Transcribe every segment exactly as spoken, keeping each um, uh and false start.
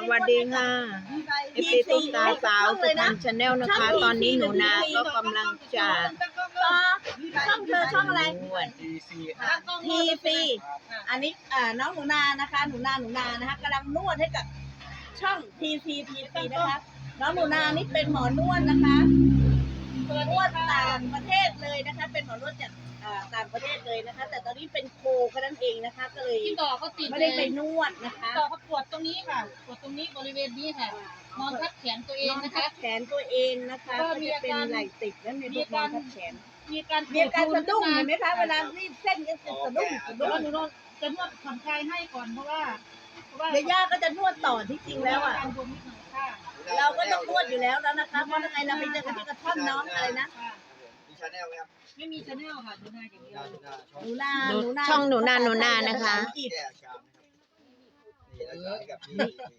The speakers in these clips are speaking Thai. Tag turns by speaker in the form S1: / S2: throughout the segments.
S1: วัสดีค่ะเอฟซีตุ๊กตาสาวสุพรรณชาแนลนะคะ ตอนนี้หนูนาก็กำลังจะ
S2: ช่องเธอช่องอะไร
S1: นวด
S2: ทีซีอันนี้อ่าน้องหนูนานะคะหนูนาหนูนานะคะกำลังนวดให้กับช่องทีซีทีซีนะคะน้องหนูนานี่เป็นหมอนวดนะคะนวดต่างประเทศเลยนะคะเป็นหมอนวดจากต่างประเทศเลยนะคะ แต่ตอนนี้เป็นโคแค่นั้นเองนะคะ ก็เลย
S3: ที่ต่อเขาติด
S2: ไม่ได้ไปนวดนะคะ
S3: ต่อเขาปวดตรงนี้ค่ะปวดตรงนี้บริเวณนี้ค่ะนอนทับแขนตัวเองนะคะ
S2: แขนตัวเองนะคะก็จะเป็นไหล่ติดนั่นในพวกนอนทับแขน
S3: มีการ
S2: มีการสะดุ้งเห็นไหมคะเวลารีดเส้นก็จะสะดุ้งสะดุ้ง
S3: หนูนวดจะนวดผ่อนคลายให้ก่อนเพราะว่าเพราะว่า
S2: เดี๋ยวย่าก็จะนวดต่อที่จริงแล้วอ่ะเราก็ต้องนวดอยู่แล้วแล้วนะคะเพราะยังไงเราไปเจอกันที่กระท่อมน้องอะไรนะ
S4: มีชาแนลไหมครับ
S3: ไม่มีชาแนลค่ะดูหน้าอย่างเดียว
S2: หนูนาหนูนา
S1: ช่องหนูนาหนูนานะคะ
S4: แก้อาการนะครับนี่รักษาให้กับพี่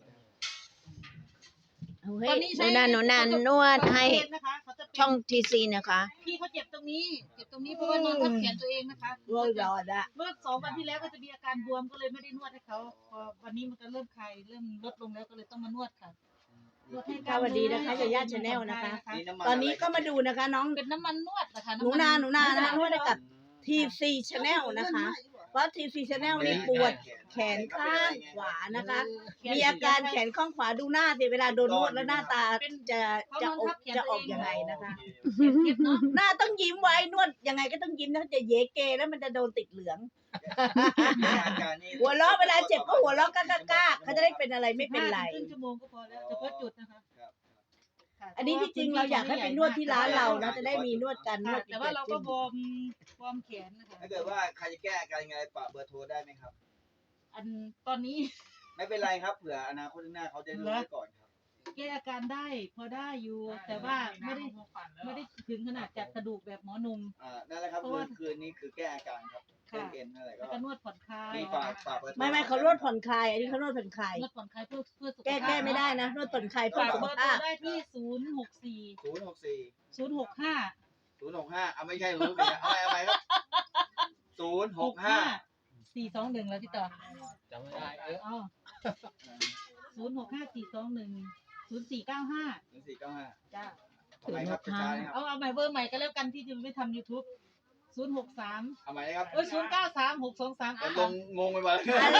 S3: ตอนนี้
S1: หนูนาหนูนานวดให้ช่องทีซีนะคะ
S3: พี่เขาเจ็บตรงนี้เจ็บตรงนี้เพราะว่านอนทับแขนตัวเองนะคะ
S2: รอยรอดอะ
S3: เมื่อสองวันที่แล้วก็จะมีอาการบวมก็เลยไม่ได้นวดให้เขาพอวันนี้มันก็เริ่มคลายเริ่มลดลงแล้วก็เลยต้องมานวดค่ะ
S2: สวัสดีนะคะยาย่าชาแนลนะคะตอนนี้ก็มาดูนะคะน้อง
S3: เป็นน้ำมันนวดนะคะ
S2: หนูนาหนูนานะคะนวดให้กับทีซีชาแนลนะคะเพราะทีซีชาแนลนี่ปวดแขนข้างขวานะคะมีอาการแขนข้างขวาดูหน้าสิเวลาโดนนวดแล้วหน้าตาจะจะออกจะออกยังไงนะคะหน้าต้องยิ้มไว้นวดยังไงก็ต้องยิ้มนะจะเยเกแล้วมันจะโดนติดเหลืองหัวเราะเวลาเจ็บก็หัวเราะก้ากาเขาจะได้เป็นอะไรไม่เป็นไร
S3: ครึ่งชั่วโมงก็พอแล้วเฉพาะจุดนะคะ
S2: อันนี้ที่จริงเราอยากให้ไปนวดที่ร้านเรานะจะได้มีนวดกันนวด
S3: แต่ว่าเราก็วอร์มวอร์มแขนนะคะ
S4: ถ้าเกิดว่าใครจะแก้อาการยังไงฝากเบอร์โทรได้ไหมครับ
S3: อันตอนนี้
S4: ไม่เป็นไรครับเผื่ออนาคตข้างหน้าเขาจะรู้ไว้ก่อนครับ
S3: แก้อาการได้พอได้อยู่แต่ว่าไม่ได้ไม่ได้ถึงขนาดจัดกระดูกแบบหมอหนุ่ม
S4: อ่านั่นแหละครับคืนคืนนี้คือแก้อาการครับเส้นเอ็นอะไรก็
S3: จะนวดผ่อนคลาย
S4: นี่ฝากฝากเบอร์โทร
S2: ไม่ไม่เขานวดผ่อนคลายอันนี้เขานวดผ่อนคลาย
S3: นวดผ่อนคลายเพื่อเพื่อสุขภาพ
S2: แก้แก้ไม่ได้นะนวดผ่อนคลายเพื่อสุขภาพ
S3: ได้ที่ศูนย์หกสี่
S4: ศูนย์หกสี่
S3: ศูนย์หกห้า
S4: ศูนย์หกห้าเอาไม่ใช่ศูนย์หกสี่เอาไปเอาไปครับศูนย์หกห้า
S3: สี่สองหนึ่งแล้วที่ต่อ
S4: จำไม่ได้เออ
S3: อ๋อศูนย์หกห้าสี่สองหนึ่งศูนย์สี่เก้าห้า
S4: ศูนย์สี่เก้าห้า
S3: จ้า
S4: เอาใหม่ครับช้าๆครับ
S3: เอาเอาใหม่เบอร์ใหม่ก็แล้วกันที่จะไม่ทำยูทูบศูนย์หกสาม
S4: เอาใหม่นะครับ
S3: เออศูนย์เก้าสามหกสองสาม
S4: งงงงไปหมด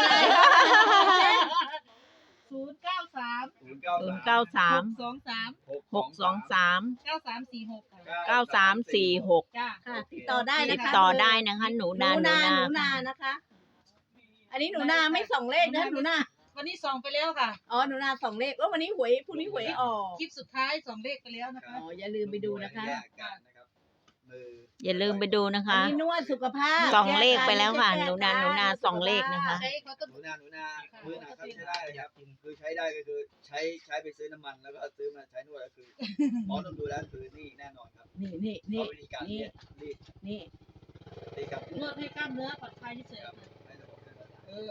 S3: ศูนย์เก้าสาม
S4: ศูนย์เก้า
S1: ศูนย์เก้าสาม
S3: สองสาม
S1: หกสองสาม
S3: เก้าสามสี่หก
S1: เก้าสามสี่หก
S3: จ้า
S2: ติดต่อได้นะคะ
S1: ติดต่อได้นะคะหนูนาหนูนา
S2: หนูนานะคะอันนี้หนูนาไม่ส่องเลขนะหนูนา
S3: วันนี้ส่องไปแล้วค่ะ
S2: อ๋อหนูนาส่องเลขว่าวันนี้หวยพรุ่งนี้หวยออก
S3: คลิปสุดท้ายส่องเลขไปแล้วนะคะ
S2: อ๋ออย่าลืมไปดูนะคะ
S1: อย่าลืมไปดูนะคะ
S2: นวดสุขภาพ
S1: ส่องเลขไปแล้วค่ะหนูนาหนูนาส่องเลขนะคะ
S4: หนูนาหนูนามือหนาครับใช้ได้เลยครับคือใช้ได้ก็คือใช้ใช้ไปซื้อน้ำมันแล้วก็ซื้อมาใช้นวดก็คือหมอต้องดูแล้วคือนี่แน่นอนครับ
S2: นี่นี่นี่
S4: วิธีการรีดรีด
S2: นี่
S3: นวดให้กล้ามเนื้อผ่อนคลายเฉยเออ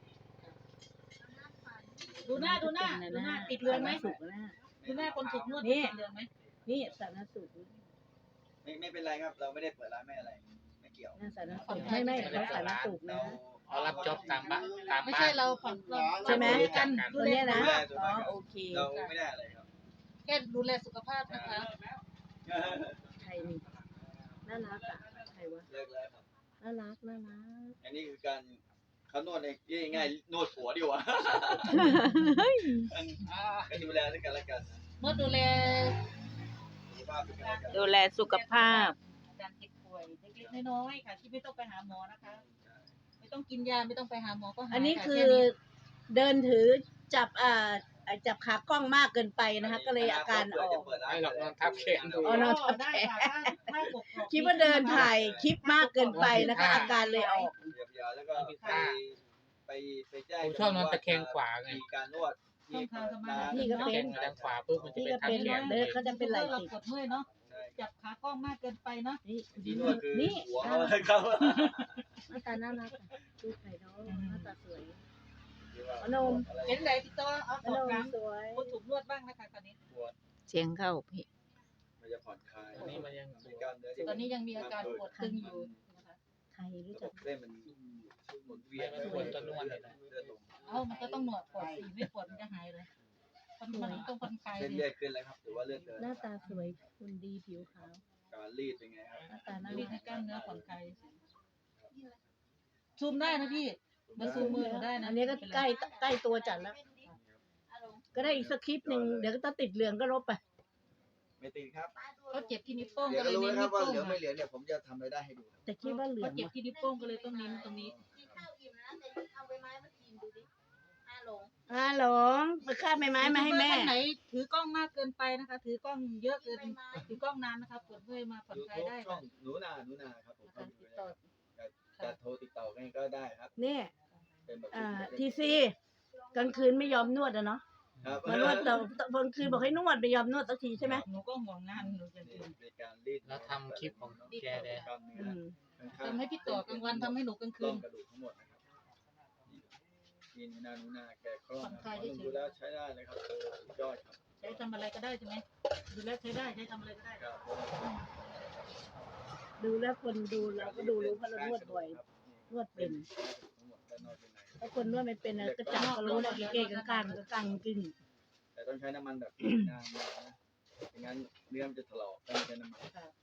S3: ดูหน้าดูหน้าดูหน้าติดเรือนไหมดูหน้าคนถูกนวดติดเรือนไหม
S2: นี่สารสุข
S4: ไม่ไม่เป็นไรครับเราไม่ได้เปิดร้านไม่อะไรไม่เกี่ยว
S2: สารสุขไม่ไม่เขาสารสุขนะ
S5: เขารับจ็อบตามบ้านตาม
S3: ไม่ใช่เราผ่อนเรา
S2: ใช่ไหม
S3: กัน
S2: ดูแลนะอ๋อโอเค
S4: เราไม่ได้อะไรครับ
S3: แค่ดูแลสุขภาพนะคะ
S2: ใครนี่น่ารักอ่ะใครวะ
S4: เลิกแล้วครับ
S2: น่ารักน่ารัก
S4: อันนี้คือการเขานวดในง่ายๆนวดหัวดีกว่าก็ดูแลด้วยกันแล้วกัน
S3: นวดดูแล
S1: ดูแลสุขภาพ
S3: การเจ็บป่วยเล็กๆน้อยๆค่ะที่ไม่ต้องไปหาหมอนะคะไม่ต้องกินยาไม่ต้องไปหาหมอก็หาย
S2: อันนี้คือเดินถือจับอ่าจับขากล้องมากเกินไปนะคะก็เลยอาการออก
S5: ไม่หรอกนอนทับแขนดู
S2: อ๋อนอนทับแขนคิดว่าเดินถ่ายคลิปมากเกินไปนะคะอาการเลยออก
S4: แล้วก็ไปไปไปแจ้ง
S5: ชอบนอนตะแคงขวาไง
S4: มีการนวด
S2: พี่ก็เป็น
S5: ทางขวาปุ๊บมันจะเป็นทับแขน
S2: เดินเขาจะเป็นไหล่ติด
S3: กดเมื่อยเนาะจับขากล้องมากเกินไปเนาะ
S2: นี่
S4: นี่หัวเขา
S2: ครับหน้าตาน่ารักดูไข่น้องหน้าตาสวยอนม
S3: เห็นไหนพี่ต้อเอาข
S2: องน้ำสวย
S3: คนถูกนวดบ้างนะคะตอนนี้
S1: เสียงเข้าพี่
S4: มันจะผ่อนคลาย
S5: ตอนนี้มันยัง
S3: ตอนนี้ยังมีอาการปวดตึงอยู่นะคะ
S2: ไทยรู้จัก
S4: เส้นมันหมุนเวียน
S5: ควรจะนวดเลยนะ
S3: เอ้ามันก็ต้องหนวดก่อนสิไม่ปวดมันจะหายเลยมันมันต้องผ่อนคลาย
S4: เส้น
S3: ดิ
S4: เลือดขึ้นแล้วครับหรือว่าเลือดเดิน
S1: หน้าตาสวยคุณดีผิวขาว
S4: การรีดเป็นไงครับ
S1: หน้าตาน่า
S3: รี
S1: รั
S3: ดให้
S1: ก
S3: กล้ามเนื้อผ่อนคลายซูมได้นะพี่มาซูมมือหนูได้นะ
S2: อันนี้ก็ใกล้ใกล้ตัวจัดแล้ว ก็ได้อีกสคริปต์หนึ่งเดี๋ยวก็ถ้าติดเหลืองก็ลบไป
S4: ไม่ติดครับ
S3: เขาเจ็บที่นิ้วโป้ง
S4: เดี๋ย
S3: ก็
S4: ว
S3: เล
S4: ก็
S3: ย
S4: รู้
S3: เน้น
S4: นะครั
S3: นิ้
S4: บ
S3: ว
S4: ว่า
S3: โป้ง
S4: เหลืองไม่เหลืองเนี่ยผมจะทำรายได้ให้ดูครับ
S2: แต่คิดว่าเหลือง
S3: เขาเจ็บที่นิ้วโป้งก็เลยต้องเน้นตรงนี้
S2: อ่าหลงไปฆ่าใบไม้มาให้แม่
S3: ท่านไหนถือกล้องมากเกินไปนะคะ ถือกล้องเยอะเกินถือกล้องนานนะคะปวดเมื่อยมาผ่อน
S4: ยู
S3: คลาย
S4: ทูบ
S3: ได้
S4: ช่อ
S3: ค่ะ
S4: งหนูนาหนูนาครับผม
S3: การติดต่อ
S4: จะโทรติดต่อกันก็ได้ครับ
S2: เนี่ย
S4: เป็นแบบ
S2: อ่าทีซีกลางคืนไม่ยอมนวดอะเนาะ
S4: ครับ
S2: มานวดแต่กลางคืนบอกให้นวดไม่ยอมนวดสักทีใช่ไหม
S3: หนูก็ห่วงงานหนูจะ
S4: นี่
S3: ตื่น
S4: เป็นการรีด
S5: แล้วทำคลิปของแกเลย
S4: กล้ามเนื้
S2: อื
S4: อ
S2: ม
S4: ข้างๆ
S3: ทำให้พี่ต่อกลางวันทำให้หนูกลางคื
S4: ต้อน งกระดูกทั้งหมดนะครับนี่หนูนาหนูนาแกคล่องครับผมดูแล้วใช้ได้เลยครับสุดยอดครับ
S3: ใช้ทำอะไรก็ได้ใช่ไหมดูแลใช้ได้ใช้ทำอะไรก็ได้
S4: ครับ
S2: ดูแล้วคนดูเราก็ดูรู้เพราะเรานวดบ่อย นวดเป็น
S4: ทั้งหมดด้านนอกด้านใน
S2: ถ้าคนนวดไม่เป็นอะก็จับก็รู้แล้วเก้ๆกลางๆก็กลางกึ่ง
S4: แต่ต้องใช้น้ำมันแบบนานๆนะไม่งั้นเนื้อมันจะถลอกต้องใช้น้ำมัน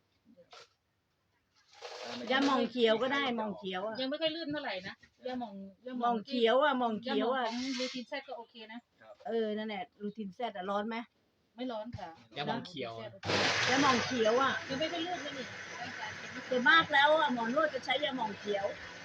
S2: ยาหมองเขียวก็ได้หมองเขียวอะ
S3: ยังไม่ค่อยลื่นเท่าไหร่นะยาหมองยา
S2: หมองเขียวอะหมองเขียวอะ
S3: ของลูทินแซดก็โอเคนะ
S2: เออนั่นแหละรูทินแซดอะร้อนไหม
S3: ไม่ร้อนค่ะ
S5: ยาหม่องเขียว
S2: ยาหมองเขียวอะ
S3: ยังไม่ค่อยลื่นเลยนี่
S2: ส่วนมากแล้วอะหมอนวดจะใช้ยาหมองเขียว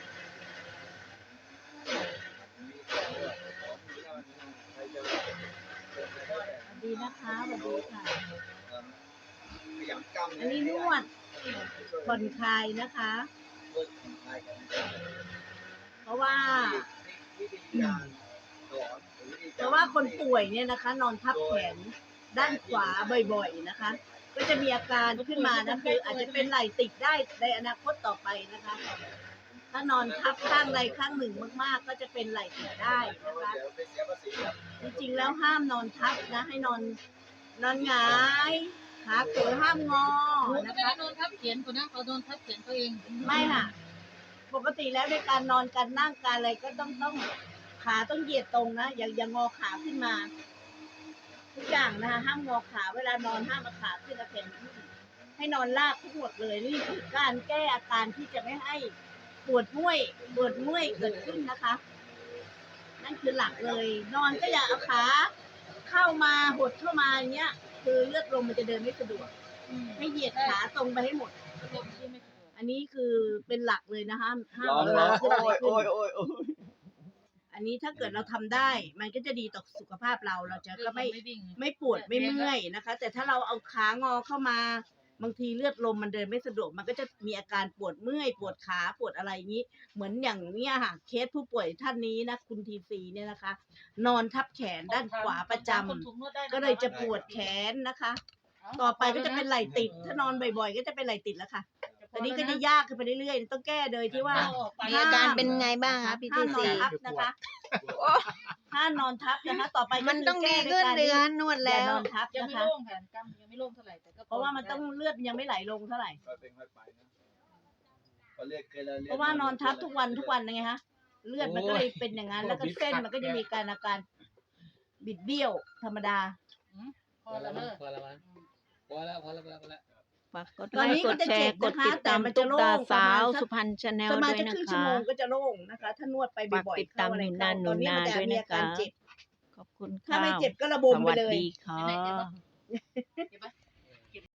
S2: ดีนะคะสวัสดีค่ะ
S4: ขยำกล้าม
S2: อันนี้นวดผ่อนคลายนะคะ
S4: นวดผ่อนคลายของ
S2: เพราะว่า
S4: วิธีการสอนหรือวิธีก
S2: เพราะว่าคนป่วยเนี่ยนะคะ นอนทับแขนด้านขวาบ่อยๆนะคะ ก็จะมีอาการขึ้นมานะคืออาจจะเป็นไหล่ติดได้ในอนาคตต่อไปนะคะ ถ้านอนทับข้างใดข้างหนึ่งมากๆ ก็จะเป็นไหล่ติดได้นะคะ
S4: เดี๋ยวไปเสียภาษีครับ
S2: จริงๆแล้วห้ามนอนทับนะ ให้นอนนอนหงายขาเขือห้ามงอ
S3: หนูก็
S2: นะ
S3: ไม่
S2: คะ
S3: ได้โดนทับเขียนคนนะเขาโดนทับเขียนเขาเอง
S2: ไม่ค่ะ ปกติแล้วในการนอนการนั่งการอะไรก็ต้องต้องขาต้องเหยียดตรงนะอย่าอย่างงอขาขึ้นมา ทุกอย่างนะคะห้ามงอขาเวลานอนห้ามเอาขาขึ้นเอาแขนขึ้นให้นอนราบทั้งหมดเลยนี่คือการแก้อาการที่จะไม่ให้ปวดเมื่อยปวดเมื่อยเกิดขึ้นนะคะ นั่นคือหลักเลย นอนก็อย่าเอาขาเข้ามาหดเข้ามาอย่างเงี้ย คือเลือดลมมันจะเดินไม่สะดวกให้เหยียดขาตรงไปให้หมด
S3: ลมที่ไม่สะดวก
S2: อันนี้คือเป็นหลักเลยนะคะห้าม
S4: ร้อน
S2: เอา
S4: ร้อ
S2: ขาน ขึ้น
S4: โอ้
S2: อะไร
S4: ย
S2: ขึ้
S4: โอ้ย
S2: น
S4: โอ้ยโอ้ย
S2: อันนี้ถ้าเกิดเราทำได้ มันก็จะดีต่อสุขภาพเราเราจะก็ไม่
S3: ไม่วิ่ง
S2: ไม่ปวดไม่เมื่อยนะคะ แต่ถ้าเราเอาขางอเข้ามา บางทีเลือดลมมันเดินไม่สะดวก มันก็จะมีอาการปวดเมื่อยปวดขาปวดอะไรอย่างนี้ เหมือนอย่างเนี้ยค่ะเคสผู้ป่วยท่านนี้นะคุณทีซีเนี่ยนะคะ นอนทับแขนด้านขวาประจำ
S3: คนถูกนวดได้น
S2: ก็เลยจะปวดแขนนะคะ ต่อไปก็จะเป็นไหล่ติด ถ้านอนบ่อยๆ ก็จะเป็นไหล่ติดแล้วค่ะตอนนี้ก็จะยากขึ้นไปเรื่อยๆต้องแก้โดยที่ว่า
S3: เอาออกไป
S1: มีอาการเป็นไงบ้างคะพี่
S2: ห้า
S1: ที
S2: มนอ
S1: ซี
S2: นทับนะคะห้ามนอนทับนะคะ ต่อไปก็
S1: มันต้องดี
S2: คื
S1: ขึ้น
S2: แก้
S1: เดื
S2: ด้วย
S1: อ
S2: การ
S1: นนวด
S2: อย่า
S1: แล้ว
S2: นอนทับ
S3: ยัง
S2: นะ
S3: ไม่
S2: คะ
S3: โล่งค่ะกล้ามยังไม่โล่งเท่าไหร่แต่ก็
S2: เพราะว่ามันต้องเลือดยังไม่ไหลลงเท่าไหร่
S4: ค่อยเป็นค่อยไปนะเขาเรียกเคย
S2: เพราะว่านอนทับทุกวันทุกวันไงคะเลือดมันก็เลยเป็นอย่างนั้น แล้วก็เส้นมันก็จะมีการอาการบิดเบี้ยวธรรมดา
S3: พอแล้วเลิก
S5: พอแล้วมั้งพอแล้วพอแล้วพอแล้วพอแล้ว
S1: ฝากกด
S2: ต
S1: ไล
S2: อนนี้
S1: ค์ก
S2: ก็
S1: ด
S2: จะ
S1: แช
S2: เจ็
S1: ร์
S2: บ
S1: ก
S2: นะ
S1: ด
S2: คะ
S1: ติด
S2: แต่
S1: ตาม
S2: มัน
S1: ตุ๊
S2: จะ
S1: ก
S2: โล่
S1: ตาง สาว
S2: ประมาณสัก
S1: สุพรรณชาแนล
S2: ประมาณ
S1: ด้วย
S2: จะ
S1: นะ
S2: ครึ่งชั่ว
S1: คะ
S2: โมงก็จะโล่งนะคะ ถ้านวดไปบ่อยๆ
S1: ฝากติดตาม
S2: เข้าอะไร
S1: หนูนา
S2: เข้าตอนนี้มันจะ
S1: หนูนาด้วย
S2: มี
S1: นะ
S2: อาการ
S1: คะ
S2: เจ็บ
S1: ขอบคุณ
S2: ถ้า
S1: ค่ะ
S2: ไม่เจ็บก็ระ
S1: ส
S2: บมไป
S1: วัส
S2: เลย
S1: ดีค่ะ